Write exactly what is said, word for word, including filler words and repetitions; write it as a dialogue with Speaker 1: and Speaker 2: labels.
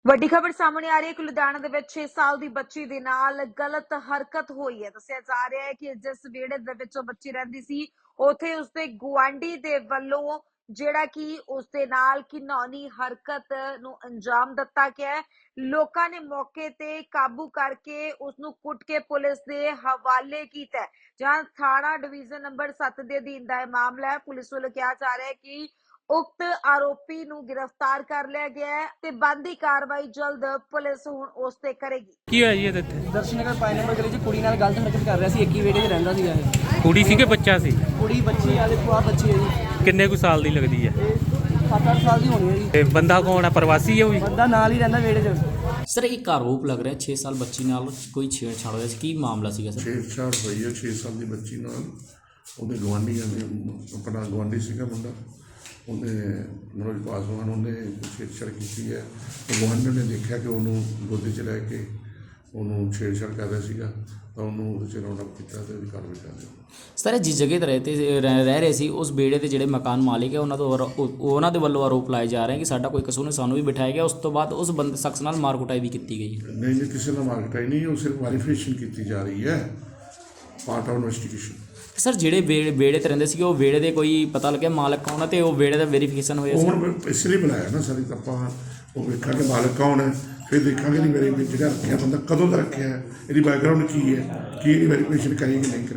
Speaker 1: ਵੱਡੀ ਖਬਰ ਸਾਹਮਣੇ ਆ ਰਹੀ ਹੈ ਕਿ ਲੁਧਿਆਣਾ ਦੇ ਵਿੱਚ ਛੇ ਸਾਲ ਦੀ ਬੱਚੀ ਦੇ ਨਾਲ ਗਲਤ ਹਰਕਤ ਹੋਈ ਹੈ। ਦੱਸਿਆ ਜਾ ਰਿਹਾ ਹੈ ਕਿ ਜਿਸ ਵਿਹੜੇ ਦੇ ਵਿੱਚ ਉਹ ਬੱਚੀ ਰਹਿੰਦੀ ਸੀ, ਉੱਥੇ ਉਸਦੇ ਗੁਆਂਢੀ ਦੇ ਵੱਲੋਂ ਜਿਹੜਾ ਕਿ ਉਸਦੇ ਨਾਲ ਘਿਨੌਣੀ ਹਰਕਤ ਨੂੰ ਅੰਜਾਮ ਦਿੱਤਾ ਗਿਆ ਹੈ। ਲੋਕਾਂ ਨੇ ਮੌਕੇ ਤੇ ਕਾਬੂ ਕਰਕੇ ਉਸ ਨੂੰ ਕੁੱਟ ਕੇ ਪੁਲਿਸ ਦੇ ਹਵਾਲੇ ਕੀਤਾ, ਜਹਾਂ ਥਾਣਾ ਡਿਵੀਜ਼ਨ ਨੰਬਰ ਸੱਤ ਦੇ ਅਧੀਨ ਦਾ ਇਹ ਮਾਮਲਾ ਹੈ। ਪੁਲਿਸ ਵੱਲੋਂ ਕਿਹਾ ਜਾ ਰਿਹਾ ਹੈ ਕਿ ਉਕਤ ਆरोपी ਨੂੰ गिरफ्तार कर लिया गया है ते बनदी कार्रवाई जल्द पुलिस हुण उस ते करेगी।
Speaker 2: ਕੀ ਹੋਇਆ ਜੀ ਇਹਦੇ ਤੇ?
Speaker 3: ਦਰਸ਼ਨ ਨਗਰ ਪੰਜ ਨੰਬਰ ਗਲੀ 'ਚ ਕੁੜੀ ਨਾਲ ਗਲਤ ਹਰਕਤ ਕਰ ਰਿਹਾ ਸੀ। ਇੱਕ ਹੀ ਵਿਹੜੇ 'ਚ ਰਹਿੰਦਾ ਸੀਗਾ ਇਹ।
Speaker 2: ਕੁੜੀ ਸੀ ਕਿ ਬੱਚਾ ਸੀ?
Speaker 3: ਕੁੜੀ ਬੱਚੀ ਵਾਲੇ ਖੁਆ ਬੱਚੀ ਹੈ ਜੀ।
Speaker 2: ਕਿੰਨੇ ਕੁ ਸਾਲ ਦੀ ਲੱਗਦੀ ਹੈ?
Speaker 3: ਇਹ ਸੱਤ ਅੱਠ ਸਾਲ ਦੀ ਹੋਣੀ ਹੈ ਜੀ।
Speaker 2: ਤੇ ਬੰਦਾ ਕੌਣ ਹੈ? ਪ੍ਰਵਾਸੀ ਹੈ ਉਹ ਵੀ?
Speaker 3: ਬੰਦਾ ਨਾਲ ਹੀ ਰਹਿੰਦਾ ਵਿਹੜੇ 'ਚ।
Speaker 4: ਸਰ ਇੱਕ ਆਰੋਪ ਲੱਗ ਰਿਹਾ ਛੇ ਸਾਲ ਬੱਚੀ ਨਾਲ ਕੋਈ ਛੇੜਛਾੜ ਹੋਇਆ ਸੀ, ਕੀ ਮਾਮਲਾ ਸੀਗਾ ਸਰ?
Speaker 5: ਛੇੜਛਾੜ ਹੋਈ ਹੈ ਛੇ ਸਾਲ ਦੀ ਬੱਚੀ ਨਾਲ। ਉਹਦੇ ਗੁਆਂਢੀਆਂ ਨੇ, ਆਪਣਾ ਗੁਆਂਢੀ ਸੀਗਾ ਮੁੰਡਾ, ਉਹਨੇ ਮਨੋਜ ਪਾਸਵਾਨ, ਉਹਨੇ ਛੇੜਛਾੜ ਕੀਤੀ ਹੈ। ਗੁਆਂਢੀ ਨੇ ਦੇਖਿਆ ਕਿ ਉਹਨੂੰ ਗੋਦੀ 'ਚ ਲੈ ਕੇ ਉਹਨੂੰ ਛੇੜਛਾੜ ਕਰ ਰਿਹਾ ਸੀਗਾ, ਤਾਂ ਉਹਨੂੰ ਉਹਦੇ 'ਚ ਰਾਉਂਡ ਅਪ ਕੀਤਾ ਤੇ ਉਹਦੀ ਕਾਰਵਾਈ ਕਰ ਦਿੱਤੀ।
Speaker 4: ਸਰ ਜਿਸ ਜਗ੍ਹਾ 'ਤੇ ਰਹਿਤੇ ਰਹਿ ਰਹਿ ਰਹੇ ਸੀ ਉਸ ਬੇੜੇ ਦੇ ਜਿਹੜੇ ਮਕਾਨ ਮਾਲਿਕ ਹੈ ਉਹਨਾਂ ਤੋਂ ਆਰੋ- ਉਹ- ਉਹਨਾਂ ਦੇ ਵੱਲੋਂ ਆਰੋਪ ਲਾਏ ਜਾ ਰਹੇ ਕਿ ਸਾਡਾ ਕੋਈ ਕਸੂਰ ਨਹੀਂ, ਸਾਨੂੰ ਵੀ ਬਿਠਾਇਆ ਗਿਆ। ਉਸ ਤੋਂ ਬਾਅਦ ਉਸ ਬੰਦੇ ਸ਼ਖਸ ਨਾਲ ਮਾਰ ਕੁਟਾਈ ਵੀ ਕੀਤੀ ਗਈ।
Speaker 5: ਨਹੀਂ ਨਹੀਂ, ਕਿਸੇ ਨਾਲ ਮਾਰਕਟਾਈ ਨਹੀਂ, ਉਹ ਸਿਰਫ ਵੈਰੀਫਿਕੇਸ਼ਨ ਕੀਤੀ ਜਾ ਰਹੀ ਹੈ, ਪਾਰਟ ਆਫ ਇਨਵੈਸਟੀਗੇਸ਼ਨ।
Speaker 4: ਸਰ ਜਿਹੜੇ ਬੇੜੇ ਬੇੜੇ 'ਤੇ ਰਹਿੰਦੇ ਸੀ ਉਹ ਬੇੜੇ ਦੇ ਕੋਈ ਪਤਾ ਲੱਗਿਆ ਮਾਲਕ ਕੌਣ ਹੈ ਤੇ ਉਹ ਬੇੜੇ ਦਾ ਵੈਰੀਫਿਕੇਸ਼ਨ ਹੋਇਆ ਸੀ?
Speaker 5: ਹੁਣ ਇਸ ਲਈ ਬੁਲਾਇਆ ਨਾ ਸਾਰੀ, ਤਾਂ ਆਪਾਂ ਉਹ ਵੇਖਾਂਗੇ ਮਾਲਕ ਕੌਣ ਹੈ, ਫਿਰ ਦੇਖਾਂਗੇ ਨਹੀਂ ਮੇਰੇ ਜਿਹੜਾ ਰੱਖਿਆ ਬੰਦਾ ਕਦੋਂ ਦਾ ਰੱਖਿਆ ਹੈ, ਇਹਦੀ ਬੈਕਗਰਾਊਂਡ ਕੀ ਹੈ, ਕੀ ਇਹਦੀ ਵੈਰੀਫਿਕੇਸ਼ਨ ਕਰੇਗੀ ਨਹੀਂ ਕਰੇਗੀ।